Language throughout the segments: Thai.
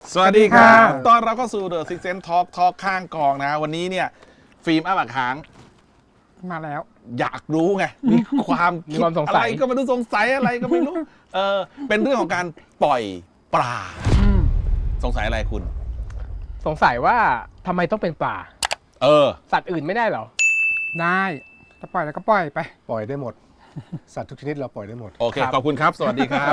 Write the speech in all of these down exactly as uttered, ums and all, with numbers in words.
สวัสดีครับตอนเราก็สู่ The Six Sense Talk Talk ข้างกองนะวันนี้เนี่ยฟิล์มอ้าปากค้างมาแล้วอยากรู้ไงมีความคิดอะไรก็ไม่รู้สงสัยอะไรก็ไม่รู้เออเป็นเรื่องของการปล่อยปลาสงสัยอะไรคุณสงสัยว่าทำไมต้องเป็นปลาเออสัตว์อื่นไม่ได้เหรอได้จะปล่อยแล้วก็ปล่อยไปปล่อยได้หมดสัตว์ทุกชนิดเราปล่อยได้หมดโอเคขอบคุณครับสวัสดีครับ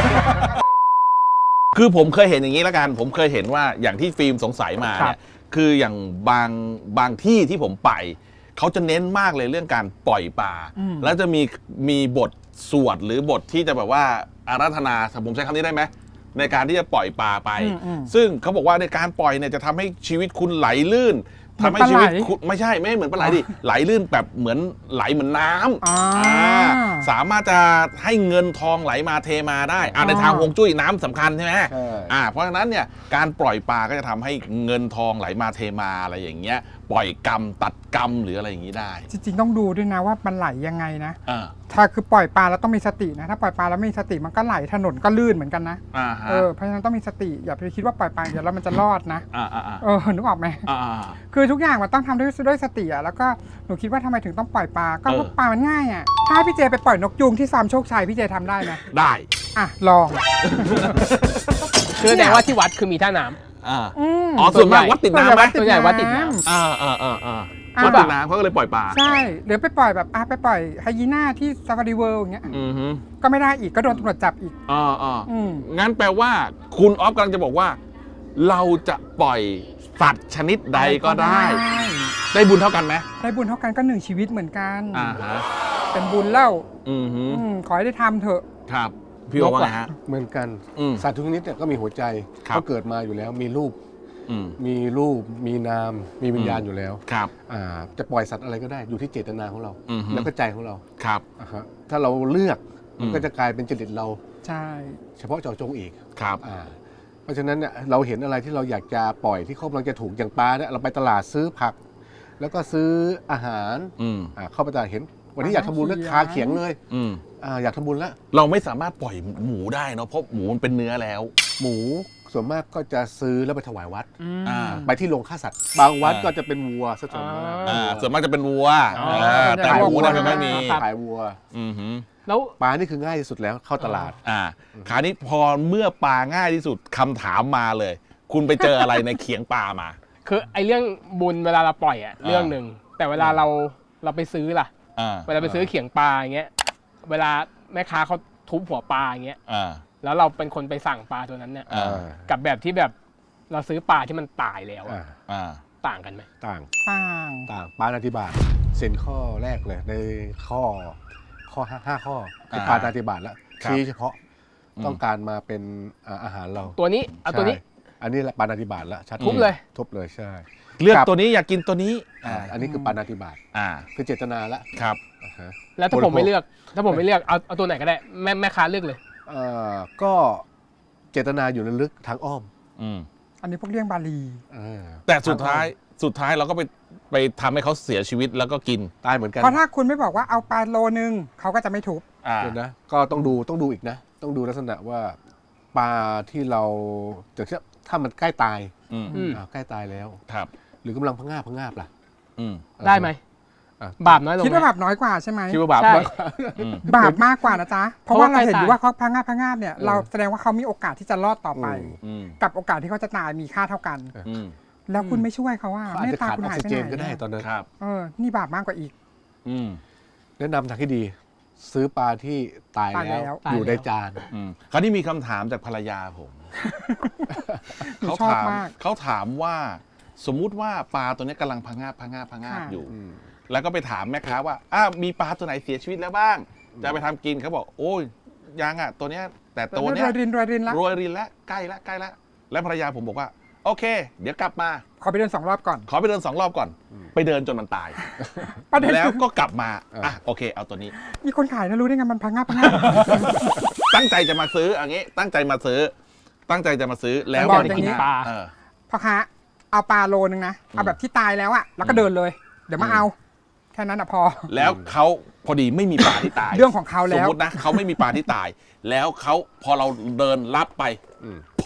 คือผมเคยเห็นอย่างนี้แล้วกันผมเคยเห็นว่าอย่างที่ฟิล์มสงสัยมาเนี่ยคืออย่างบางบางที่ที่ผมไปเขาจะเน้นมากเลยเรื่องการปล่อยปลาแล้วจะมีมีบทสวดหรือบทที่จะแบบว่าอาราธนาผมใช้คำนี้ได้ไหมในการที่จะปล่อยปลาไปซึ่งเขาบอกว่าในการปล่อยเนี่ยจะทำให้ชีวิตคุณไหลลื่นทำให้ชีวิตคุณไม่ใช่ไม่เหมือนปลาไหลดิไหลลื่นแบบเหมือนไหลเหมือนน้ำสามารถจะให้เงินทองไหลมาเทมาได้ในทางฮวงจุ้ยน้ำสำคัญใช่ไหมอ่าเพราะฉะนั้นเนี่ยการปล่อยปลาก็จะทำให้เงินทองไหลมาเทมาอะไรอย่างเงี้ยปล่อยกรรมตัดกรรมหรืออะไรอย่างนี้ได้จริงๆต้องดูด้วยนะว่ามันไหลยังไงนะถ้าคือปล่อยปลาแล้วต้องมีสตินะถ้าปล่อยปลาแล้วไม่มีสติมันก็ไหลถนนก็ลื่นเหมือนกันนะเออเพราะฉะนั้นต้องมีสติอย่าไปคิดว่าปล่อยปลาเดี๋ยวแล้วมันจะรอดนะเออนึกออกไหมคือทุกอย่างมันต้องทำด้วยด้วยสติอ่ะแล้วก็หนูคิดว่าทำไมถึงต้องปล่อยปลาก็เพราะปลามันง่ายอ่ะถ้าพี่เจไปปล่อยนกยูงที่ฟาร์มโชคชัยพี่เจทำได้ไหมได้อ่ะลองคือแสดงว่าที่วัดคือมีท่าน้ำอ๋อส่วนมากวัดติดน้ำไหมส่วนใหญ่วัดติดน้ำอ่าอ่าอ่าอ่าวัดติดน้ำเขาก็เลยปล่อยปลาใช่หรือไปปล่อยแบบอ่ะไปปล่อยไฮยีน่าที่ซาฟารีเวิลด์อย่างเงี้ยก็ไม่ได้อีกก็โดนตำรวจจับอีกอ๋ออ๋องั้นแปลว่าคุณออฟกำลังจะบอกว่าเราจะปล่อยสัตว์ชนิดใดก็ได้ได้บุญเท่ากันไหมได้บุญเท่ากันก็หนึ่งชีวิตเหมือนกันอ่าฮะเป็นบุญเล่าอืมขอให้ได้ทำเถอะครับพี่ว่าไงฮะเหมือนกันสัตว์ทุกชนิดเนี่ยก็มีหัวใจเขาเกิดมาอยู่แล้วมีรูปมีรูปมีนามมีวิญญาณอยู่แล้วครับจะปล่อยสัตว์อะไรก็ได้อยู่ที่เจตนาของเราแล้วก็ใจของเราครับถ้าเราเลือกมันก็จะกลายเป็นจริตเราใช่เฉพาะเจาะจงอีกครับเพราะฉะนั้นเนี่ยเราเห็นอะไรที่เราอยากจะปล่อยที่เขากำลังจะถูกอย่างปลาเนี่ยเราไปตลาดซื้อผักแล้วก็ซื้ออาหารเข้าไปตลาดเห็นวันนี้อยากทำบุญแล้วคาเขียงเลยอยากทำบุญแล้วเราไม่สามารถปล่อยหมูได้เนาะเพราะหมูมันเป็นเนื้อแล้วหมูส่วนมากก็จะซื้อแล้วไปถวายวัดไปที่โรงฆ่าสัตว์บางวัดก็จะเป็นวัวซะส่วนมากส่วนมากจะเป็นวัวแต่หมูเนี่ยไม่มีขายวัวแล้วปลานี่คือง่ายที่สุดแล้วเข้าตลาดอ่าคราวนี้พอเมื่อปลาง่ายที่สุดคำถามมาเลย คุณไปเจออะไรในเขียงปลามาคือไอ้เรื่องบุญเวลาเราปล่อยอะเรื่องหนึ่งแต่เวลาเราเราไปซื้อล่ะเวลาไปซื้อเขียงปลาอย่างเงี้ยเวลาแม่ค้าเขาทุบหัวปลาอย่างเงี้ยแล้วเราเป็นคนไปสั่งปลาตัวนั้นเนี่ยกับแบบที่แบบเราซื้อปลาที่มันตายแล้วต่างกันไหมต่างต่างต่างปาณาติบาตเซ็นข้อแรกเลยในข้อข้อห้าข้อคือปาณาติบาตแล้วชี้เฉพาะต้องการมาเป็นอาหารเราตัวนี้เอาตัวนี้อันนี้แหละปาณาติบาตแล้วชัดทุบเลยทุบเลยใช่เลือกตัวนี้อยากกินตัวนี้อันนี้คือปาณาติบาตคือเจตนาแล้วครับแล้วถ้าผมไม่เลือกถ้าผมไม่เลือกเอาเอาตัวไหนก็ได้แม่แม่ค้าเลือกเลยก็เจตนาอยู่ลึกทางอ้อมอันนี้พวกเรื่องบาลีแต่สุดท้ายสุดท้ายเราก็ไปไปทำให้เขาเสียชีวิตแล้วก็กินตายเหมือนกันเพราะถ้าคุณไม่บอกว่าเอาปลาโลนึงเขาก็จะไม่ทุบเห็นนะก็ต้องดูต้องดูอีกนะต้องดูลักษณะว่าปลาที่เราจะเชื่อถ้ามันใกล้ตายใกล้ตายแล้วครับหรือกำลังพะงาบพะงาบล่ะได้ไหมบาปน้อยลงคิดว่าบาปน้อยกว่าใช่ไหมคิดว่าบาปน้อยบาปมากกว่านะจ๊ะเพราะว่าเราเห็นอยู่ว่าเขาพังงาบพังงาบเนี่ยเราแสดงว่าเขามีโอกาสที่จะรอดต่อไปกับโอกาสที่เขาจะตายมีค่าเท่ากันแล้วคุณไม่ช่วยเขาว่าไม่ตาคุณหายไปไหนก็ได้ตอนนั้นเออนี่บาปมากกว่าอีกแนะนำทางที่ดีซื้อปลาที่ตายแล้วอยู่ในจานคราวนี้มีคำถามจากภรรยาผมเขาถามเขาถามว่าสมมุติว่าปลาตัวนี้กำลังพังงาบพังงาบพังงาบอยู่แล้วก็ไปถามแม่ค้าว่าอ้าวมีปลาตัวไหนเสียชีวิตแล้วบ้างจะไปทำกินเขาบอกโอ้ยยังอ่ะตัวเนี้ยแต่ตัวเนี้ยรวยรินรวยรินแล้วรวยรินแล้วใกล้แล้วใกล้แล้วแล้วภรรยาผมบอกว่าโอเคเดี๋ยวกลับมาขอไปเดินสองรอบก่อนขอไปเดินสองรอบก่อนไปเดินจนมันตายแล้วก็กลับมาอ่ะโอเคเอาตัวนี้มีคนขายนะรู้ได้ไงมันพังงาบพังงาบตั้งใจจะมาซื้ออย่างงี้ตั้งใจมาซื้อตั้งใจจะมาซื้อแล้วบอกอย่างนี้พ่อค้าเอาปลาโลนึงนะเอาแบบที่ตายแล้วอ่ะแล้วก็เดินเลยเดี๋ยวมาเอาแค่นั้นอ่ะพอแล้วเขาพอดีไม่มีปลาที่ตายเรื่องของเขาแล้วสมมตินะเขาไม่มีปลาที่ตายแล้วเขาพอเราเดินรับไปโพ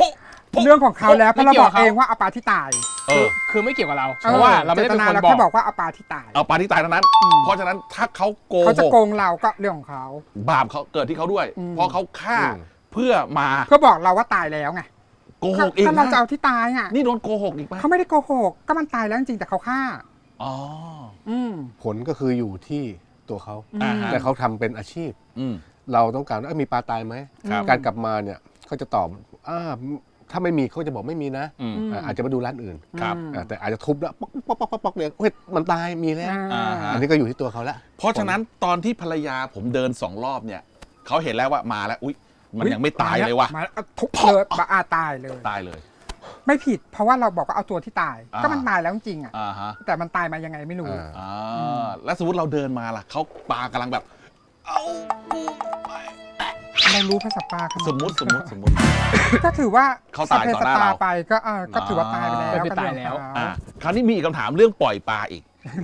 เรื่องของเขาแล้วเพราะเราบอกเองว่าเอาปลาที่ตายเอคืออคือไม่เกี่ยวกับเราเพราะว่าเราไม่ได้เป็นคนเราบอแค่กบอกว่าเอาปลาที่ตายเอาปลาที่ตายเท่านั้นอืมเพราะฉะนั้นถ้าเขาโกเขาจะหกโกงเราก็เรื่องของเขาบาปเขาเกิดที่เขาด้วยอืมเพราะเขาฆ่าอืมเพื่อมาเพื่อบอกเราว่าตายแล้วไงโกหกอีกถ้าเรานะจะเอาที่ตายอ่ะนี่โดนโกหกอีกไหมเขาไม่ได้โกหกก็มันตายแล้วจริงๆแต่เขาฆ่าอ๋ออืมผลก็คืออยู่ที่ตัวเขาอ่าฮะแต่เขาทำเป็นอาชีพอืมเราต้องการว่าเอ้ยมีปลาตายไหมครับการกลับมาเนี่ยเขาจะตอบอ่าถ้าไม่มีเขาจะบอกไม่มีนะอืมอืมอ่าอาจจะมาดูร้านอื่นครับอ่าแต่อาจจะทุบแล้วป๊อกป๊อกป๊อกป๊อกป๊อกเนี่ยเฮ้ยมันตายมีแล้วอ่าอ่าฮะอันนี้ก็อยู่ที่ตัวเขาละเพราะฉะนั้นตอนที่ภรรยาผมเดินสองรอบเนี่ยเขาเห็นแล้วว่ามาแล้วอุ๊ยมันยังไม่ตายเลยว่ะมาแล้วทุบเลยปลาอาตายเลยตายเลยไม่ผิด เพราะว่าเราบอกว่าเอาตัวที่ตายอ่าก็มันตายแล้วจริงๆอ่ะอ่าฮะแต่มันตายมายังไงไม่รู้อ่าอ่าแล้วสมมติเราเดินมาล่ะเขาปลากำลังแบบ เอากูไปเรารู้ภาษาปลาขนาดนั้นสมมติสมมติสมมติก็ถือว่าเขาตายต่อหน้าเราสพสตไปก็เออก็ถือว่าตายไปแล้วก็คือตายแล้วก็เรื่องของอ่าเขาคราวนี้มีอีกคำถามเรื่องปล่อยปลาอีก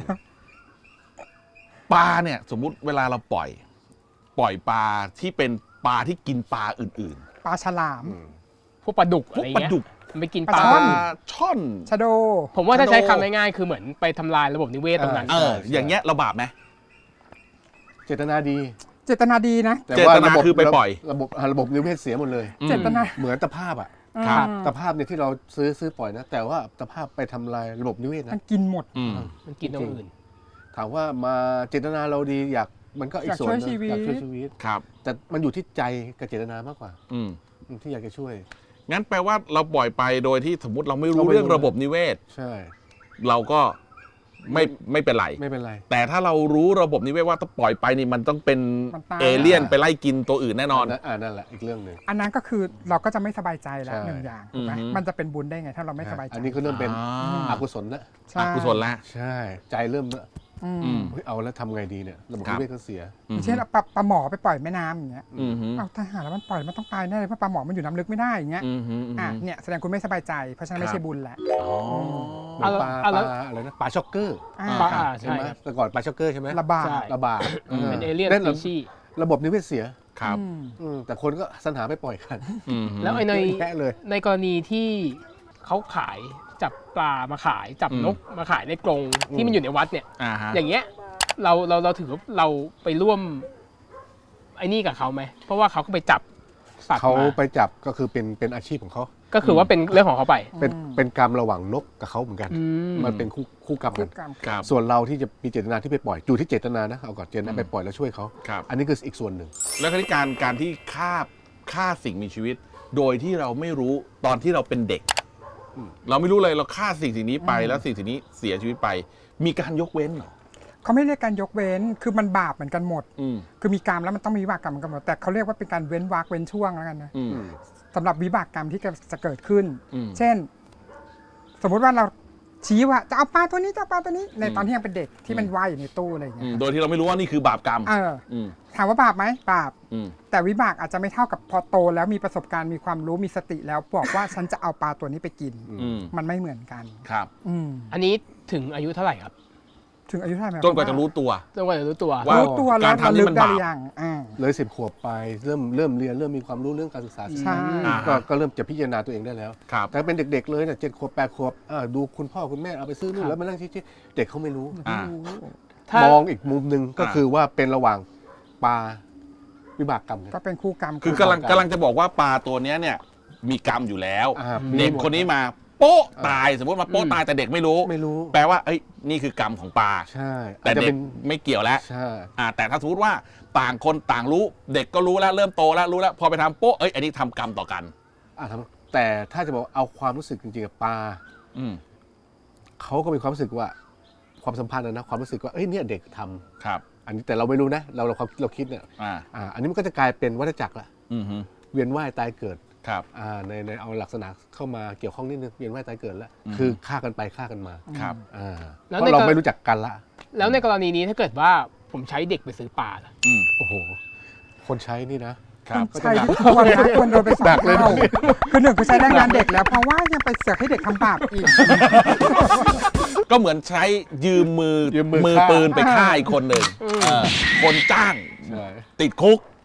ปลาเนี่ย สมมุติเวลาเราปล่อย ปล่อยปลาที่เป็นปลาที่กินปลาอื่นปลาฉลามพวกปลาดุกๆ พอะวกไรปลาเงี้ยดุกมันไปกินปปลาลาช่อนช่อนชะโดผมว่าถ้าใช้ชะโดคำง่ายๆคือเหมือนไปทำลายระบบนิเวศตรงนั้นเออ อย่างเงี้ยเราบาปไหมเจตนาดีเจตนาดีนะแต่เจว่าตนาระบบคือไปปล่อยระบบระบบนิเวศเสียหมดเลยอืมเจตนาเหมือนตะภาพอ่ะครับอืมตะภาพเนี่ยที่เราซื้อซื้อปล่อยนะ แต่ว่าตะภาพไปทำลายระบบนิเวศมันะนกินหมดอืมมันกินตรงอื่นถามว่ามาเจตนาเราดีอยากมันก็อีกอยากส่วนช่วยหนึ่งชีวิตอยากช่วยชีวิตครับแต่มันอยู่ที่ใจกับเจตนามากกว่าอืมที่อยากจะช่วยงั้นแปลว่าเราปล่อยไปโดยที่สมมติเราไม่รู้เราไม่รู้เรื่องระบบนิเวศใช่เราก็ไม่ไม่เป็นไรไม่เป็นไรแต่ถ้าเรารู้ระบบนิเวศว่าถ้าปล่อยไปนี่มันต้องเป็นมันตายเอเลี่ยนไปไล่กินตัวอื่นแน่นอนอ่านั่นแหละอีกเรื่องหนึ่งอันนั้นก็คือเราก็จะไม่สบายใจแล้วใช่หนึ่งอย่างถูกไหมอือฮึมันจะเป็นบุญได้ไงถ้าเราไม่สบายใจอันนี้ก็เริ่มเป็นอ่าอกุศลแล้วใช่อกุศลละใช่ ใจเริ่มละอืมอืมเฮ้ยเอาแล้วทำไงดีเนี่ยระบบครันิบเวศก็เสียอย่างเช่นเอาปลาปลาหมอไปปล่อยแม่น้ำอย่างเงี้ยอืมฮึเอาทหารแล้วมันปล่อยมันต้องตายแน่เลยเพราะปลาหมอมันอยู่น้ำลึกไม่ได้อย่างเงี้ยอืมฮึอืมอ่ะฮึเนี่ยแสดงคุณไม่สบายใจเพราะฉะนั้นไม่ครับใช่บุญแหละอ๋อเหมือนปลาเอาปแล้ลาว อะไรนะปลาช็อกเกอร์อ่าปลาครับอ่าใช่ใช่ไหมครับแต่ก่อนปลาช็อกเกอร์ใช่ไหมระบาดใช่ระบาดอืมเป็นเอเลี่ยนนั่นสปีชีส์ระบบนิเวศเสียครับอืมอืมแต่คนก็สรรหาไปปล่อยกันอืมฮึแล้วไอ้ในแค่เลยในกรณีที่เขาขายจับปลามาขายจับอืมนกมาขายในกรงที่มันอยู่ในวัดเนี่ยอ่าฮะอย่างเงี้ยเราเราเราถือว่าเราไปร่วมไอ้นี่กับเขาไหมเพราะว่าเขาก็ไปจับสัตว์เขามาไปจับก็คือเป็นเป็นอาชีพของเขาก็คือว่าเป็นเรื่องของเขาไปเป็นอืมเป็นกรรมระหว่างนกกับเขาเหมือนกันอืมมันเป็นคู่คู่กรรมคุกักนกรรมครับส่วนเราที่จะมีเจตนาที่ไปปล่อยอยู่ที่เจตนานะเอาก่อนเจตอืนาม ไปปล่อยแล้วช่วยเขาครับอันนี้คืออีกส่วนหนึ่งแล้วก็ที่การการที่ฆ่าฆ่าสิ่งมีชีวิต โดยที่เราไม่รู้ตอนที่เราเป็นเด็กอืมเราไม่รู้เลยเราฆ่าสิ่งสิ่งนี้ไปแล้วสิ่งสิ่งนี้เสียชีวิตไป มีการยกเว้นเหรอเขาไม่เรียกการยกเว้นคือมันบาปเหมือนกันหมดอืมคือมีกรรมแล้วมันต้องมีวิบากกรรมเหมือนกันหมดแต่เขาเรียกว่าเป็นการเว้นวรรคเว้นช่วงแล้วกันนะอืมอืมสำหรับวิบากกรรมที่จะเกิดขึ้นอืมเช่น สมมุติว่าเราชี้ว่าจะเอาปลาตัวนี้จะเอาปลาตัวนี้ ในอืมตอนที่ยังเป็นเด็กที่มันว่ายอยู่ในตู้อะไรอย่างอืเงี้มยโดยที่เราไม่รู้ว่านี่คือบาปกรรมเอออืมถามว่าบาปไหมบาปอืมแต่วิบากอาจจะไม่เท่ากับพอโตแล้วมีประสบการณ์มีความรู้มีสติแล้วบอกว่าฉันจะเอาปลาตัวนี้ไปกินอืมมันไม่เหมือนกันครับอืมอันนี้ถึงอายุเท่าไหร่ครับถึงอายุเท่าไหร่ไหมจนกว่าจะรู้ตัวจนกว่าจะรู้ตัวว่ารู้ตัวแล้วการทำนี่ระลึมักนได้บาปหรือยังอ่าเลยสิบขวบไปเริ่มเริ่มเรียนเริ่มมีความรู้เรื่องการศึกษาใช่อ่าก็ก็เริ่มจะพิจารณาตัวเองได้แล้วครับแต่เป็นเด็กๆเลยเนี่ยเจ็ดขวบแปดขวบอ่าดูคุณพ่อคุณแม่เอาไปซื้อนู่ครันบแล้วมานั่งชี้ๆเด็กเขาไม่รู้อ่าถ้ามองอีกมุมหนึ่งก็อ่าคือว่าเป็นระหว่างปลาวิบากกรรมกันก็เป็นคู่กรรมคือกำลังกำลังจะบอกว่าปลาตัวเนี้ยเนี่ย มีกรรมอยู่แล้วอ่าเด็กคนนี้มาโป๊ะตายสมมติมาโป๊ะตายแต่เด็กไม่รู้ไม่รู้แปลว่าเอ้ยนี่คือกรรมของปลาใช่แต่อาจจะเด็เป็กนไม่เกี่ยวแล้วใช่อ่าแต่ถ้าสมมติว่าต่างคนต่างรู้ เด็กก็รู้แล้วเริ่มโตแล้วรู้แล้ว พอไปทำโป๊ะเอ้ยอันนี้ทำกรรมต่อกันอ่าทำแต่ถ้าจะบอกเอาความรู้สึกจริงๆกับปลาอืมเขาก็มีความรู้สึกว่าความสัมพันธ์นะนะความรู้สึกว่าเอ้ยเนี่ยเด็กทำครับอันนี้แต่เราไม่รู้นะ เราเราความเราคิดเนี่ยอ่าอ่าอันนี้มันก็จะกลายเป็นวัฏจักรละอืมฮึเวียนว่ายตายเกิดครับอ่าในในเอาลักษณะเข้ามาเกี่ยวข้องนิดนึงเวียนว่ายตายเกิดแล้วอืมคือฆ่ากันไปฆ่ากันมาครับอ่าแล้วเพในราะเรากรไม่รู้จักกันละแล้วในกรณีนี้ถ้าเกิดว่าผมใช้เด็กไปซื้อปลาล่ะอืมโอ้โหคนใช้นี่นะครับใช่ที่ควรนะควรโดนไปสองหนักเลยเท่าคือหนึ่งคือใช้แรงงานเด็กแล้ว เพราะว่ายังไปเสือกให้เด็กทำบาปอีกก็เหมือนใช้ยืมมือยืมมือมือฆ่าปืนไปฆ่าอีกคนหนึ่งเออคนจ้างใช่ติดคุก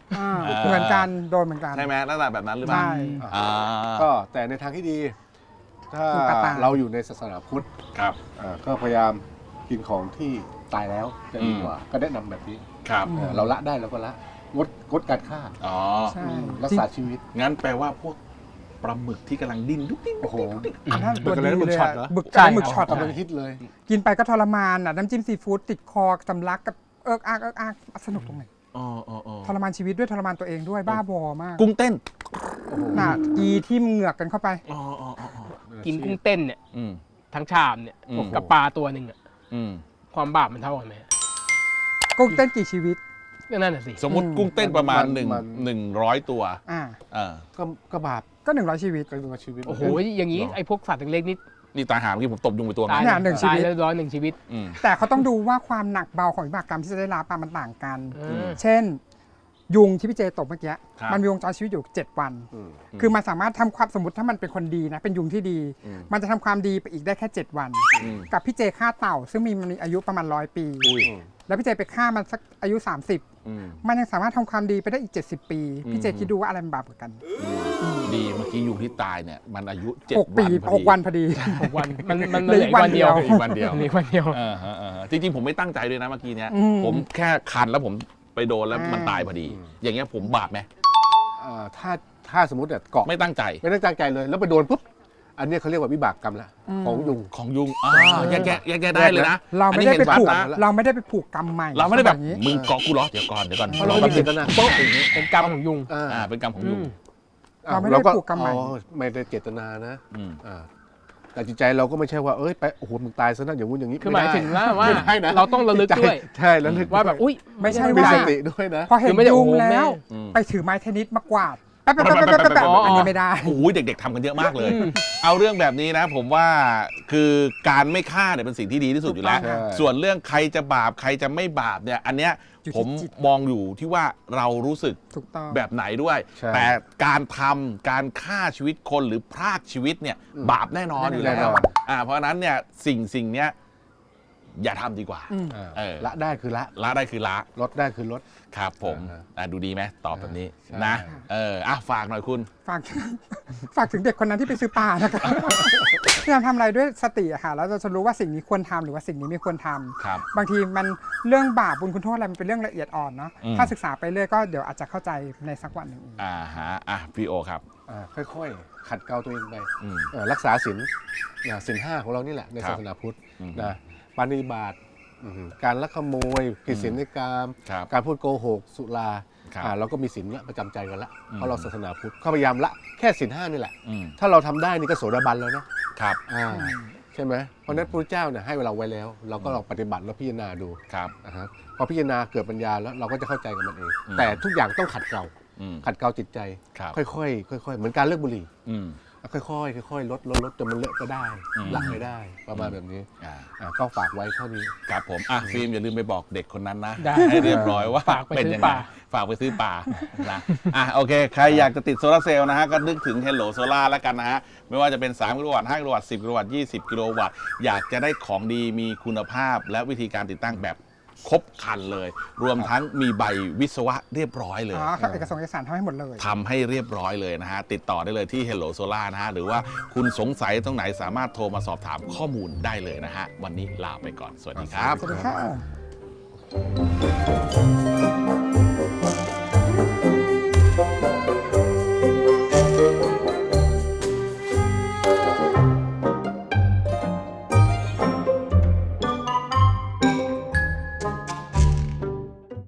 อ่าเหมือนกันโดนเหมือนกันใช่ไหมลักษณะแบบนั้นหรือเปล่าใช่อ่าก็แต่ในทางที่ดี ถ้าถูกกระต่ายเราอยู่ในศาสนาพุทธครับอ่าก็พยายามกินของที่ตายแล้วจะดีกว่า ก็แนะนำแบบนี้ครับเออเราละได้เราก็ละงดงดการฆ่าอ๋อใช่รักษาชีวิตงั้นแปลว่าพวกปลาหมึกที่กำลังดิ้นดุ๊กดิ๊กโอ้โหอันนั้นตัวหมึกอะไรดีนะหมึกเลยช็อตอะเหรอหมึกใช่หมึกช็อตกำลังฮิตเลยกินไปก็ทรมานอ่ะน้ำจิ้มซีฟู้ดติดคอสำลักกับเอิกอักเอิกอักสนุกตรงไหนอ๋ออ๋ออ๋อทรมานชีวิตด้วยทรมานตัวเองด้วยบ้าบอมากกุ้งเต้นน่ะกีที่เหงือกกันเข้าไปอ๋ออ๋ออ๋ออ๋อกินกุ้งเต้นเนี่ยอืมทั้งชามเนี่ยอืมกับปลาตัวหนึ่งอะอืมความบาปมันเท่ากันไหมกุ้งเต้นกี่ชีวิตก็นั่นน่ะสิสมมติอืมกุ้งเต้นประมาณมันหนึ่งมันหนึ่งร้อยตัวอ่าเออก็ก็บาปก็หนึ่งร้อยชีวิตก็เป็นชีวิตโอ้โหอย่างนี้ไอ้พวกสัตว์เล็กๆนี่นี่ตายหาเมื่อกี้ผมตบยุงไปตัวตายนะเนี่ยหนึ่งชีวิตตายแล้วร้อยหนึ่งชีวิตอืมแต่เขาต้องดูว่าความหนักเบาของวิบากกรรมที่จะได้รับอะมันต่างกันเออเช่น ยุงที่พี่เจตบเมื่อกี้ครับมันมีวงจรชีวิตอยู่เจ็ดวันอืมคือมันสามารถทำความสมมติถ้ามันเป็นคนดีนะ เป็นยุงที่ดีอืมมันจะทำความดีไปอีกได้แค่ เจ็ด วันอืมกับพี่เจฆ่าเต่า ซึ่งมีมันมีอายุประมาณร้อยปีอุ้ยแล้วพี่เจไปฆ่ามันสักอายุ สามสิบอืมมันยังสามารถทำความดีไปได้อีก เจ็ดสิบ ปีอืมพี่เจคิดดูว่าอะไรมันบาปกว่ากันดีเมื่อกี้ยุงที่ตายเนี่ยมันอายุเจ็ดหกวัปีนพอดีหกวันพอดีหกวันมันมันเหมันลืเหอลือีอกวัวัน นเดีเดียยว วอีกวันเดียวเหลืออีกวันเดียวอ่าฮะอ่าฮะจริงๆผมไม่ตั้งใจด้วยนะเมื่อกี้เนี้ยอืมผมแค่คันแล้วผมไปโดนแล้วอ่ามัมันตายพอดี อย่างเงี้ยผมบาปไหมอ่าถ้าถ้าสมมติเนี่ยเกาะไม่ตั้งใจไม่ได้ตั้งใจเลย แล้วไปโดนปุ๊บ อันเนี้ยเขาเรียกว่าวิบากกรรมละอืมของยุงของยุงอ่าแยกแยะแยกแยะได้เลยนะเราไม่ได้ไปอันนี้เห็นผูกชัดนะเราไม่ได้ไปผูกกรรมใหม่เราไม่ได้แบบอย่งนี้มึงเกาะกูเหรอเดี๋ยวก่อนเดี๋ยวก่อนเพราะเราไม่มีเจตนาโป๊ะอย่างนี้เป็นกรรมของยุงอ่าอ่าเป็นกรรมของยุงอืมอ้วเราไม่ได้ก็ผูกกรรมใหม่อ๋อไม่ได้เจตนานะอืมอ่าแต่จิตใจเราก็ไม่ใช่ว่าเอ้ยไปโอ้โหมึงตายซะนะอย่างงู้นอย่างนี้คือหมายถึงว่าว่าไม่ได้นะเราต้องระลึกด้วยใช่ระลึกว่าแบบอุ้ยไม่ใช่มีว่าสติด้วยนะพอเห็นคือไม่ได้ยุงโอ้โหแล้วอืมไปถือไม้เทนนิสมากวาดแป๊บแป๊บแป๊บแป๊บแป๊บแป๊บอ๋ออัอันนี้ไม่ได้โอ้ยเด็กๆทำกันเยอะมากเลย เอาเรื่องแบบนี้นะ ผมว่าคือการไม่ฆ่าเนี่ยเป็นสิ่งที่ดีที่สุดอยู่แล้วถูกต้องค่ะส่วนเรื่องใครจะบาปใครจะไม่บาปเนี่ย อันเนี้ยอยู่ที่ผมจิตมองอยู่ที่ว่าเรารู้สึกถูกต้องแบบไหนด้วยใช่แต่การทำการฆ่าชีวิตคนหรือพรากชีวิตเนี่ยอืมบาปแน่นอนอยู่แล้แน่วนอนอ่าเพราะฉะนั้นเนี่ยสิ่งสิ่งเนี้ยอย่าทำดีกว่าอืมอ่าเออละได้คือละละได้คือละลดได้คือลดครับผมอ่าอ่ะดูดีไหมตอบแบบนี้ใช่นะเอออ่ะฝากหน่อยคุณฝาก ฝากถึงเด็กคนนั้นที่ไปซื้อปลานะคะพยายามทำอะไรด้วยสติอะค่ะแล้วเราจะรู้ว่าสิ่งนี้ควรทำหรือว่าสิ่งนี้ไม่ควรทำครับบางทีมันเรื่องบาปบุญคุณโทษอะไรมันเป็นเรื่องละเอียดอ่อนเนาะอืมถ้าศึกษาไปเรื่อยก็เดี๋ยวอาจจะเข้าใจในสักวันหนึ่งเองอ่าฮะอ่ะพี่โอครับอ่าค่อยๆ ขัดเกลาตัวเองไปอืมเอ่อรักษาศีลนะศีลห้าของเรานี่แหละในครับศาสนาพุทธอืมนะปาณิบาตอืมการลักขโมยผิดศีลในกามครับการพูดโกหกสุราครับอ่าเราก็มีศีลละประจำใจกันละอืมเพราะเราศาสนาพุทธก็พยายามละแค่ศีลห้านี่แหละอืมถ้าเราทำได้นี่ก็โสดาบันแล้วนะครับ อ่าใช่ไหมเพราะฉะนั้นพระเจ้าเนี่ยให้เราไว้แล้ว เราก็ลองปฏิบัติแล้วพิจารณาดูครับนะฮะพอพิจารณาเกิดปัญญาแล้วเราก็จะเข้าใจกับมันเองอืมแต่ทุกอย่างต้องขัดเกลาอืมขัดเกลาจิตใจครับค่อยๆค่อยๆเหมือนการเลิกบุหรี่อืมค่อยๆค่อยๆลดลดลดจนมันเลอะก็ได้อืมหลักไม่ได้ประมาณแบบนี้อ่าอ่าก็ฝากไว้เท่านี้ครับผมอ่ะฟิล์มอย่าลืมไปบอกเด็กคนนั้นนะได้ให้เรียบร้อยว่าฝากไปเป็นซื้อยังไงปลาฝากไปซื้อปลานะอ่ะโอเค ใครอยากจะติดโซลาร์เซลล์นะฮะ ก็นึกถึง Hello Solar แล้วกันนะฮะ ไม่ว่าจะเป็นสามกิโลวัตต์ห้ากิโลวัตต์สิบกิโลวัตต์ยี่สิบกิโลวัตต์อยากจะได้ของดีมีคุณภาพ และวิธีการติดตั้งแบบครบครันเลย รวมทั้งมีใบวิศวะเรียบร้อยเลยอ๋อครับเอกสารเอกสารทำให้หมดเลยทำให้เรียบร้อยเลยนะฮะ ติดต่อได้เลยที่ Hello Solar นะฮะ หรือว่าคุณสงสัยตรงไหนสามารถโทรมาสอบถามข้อมูลได้เลยนะฮะ วันนี้ลาไปก่อน สวัสดีครับสวัสดีค่ะ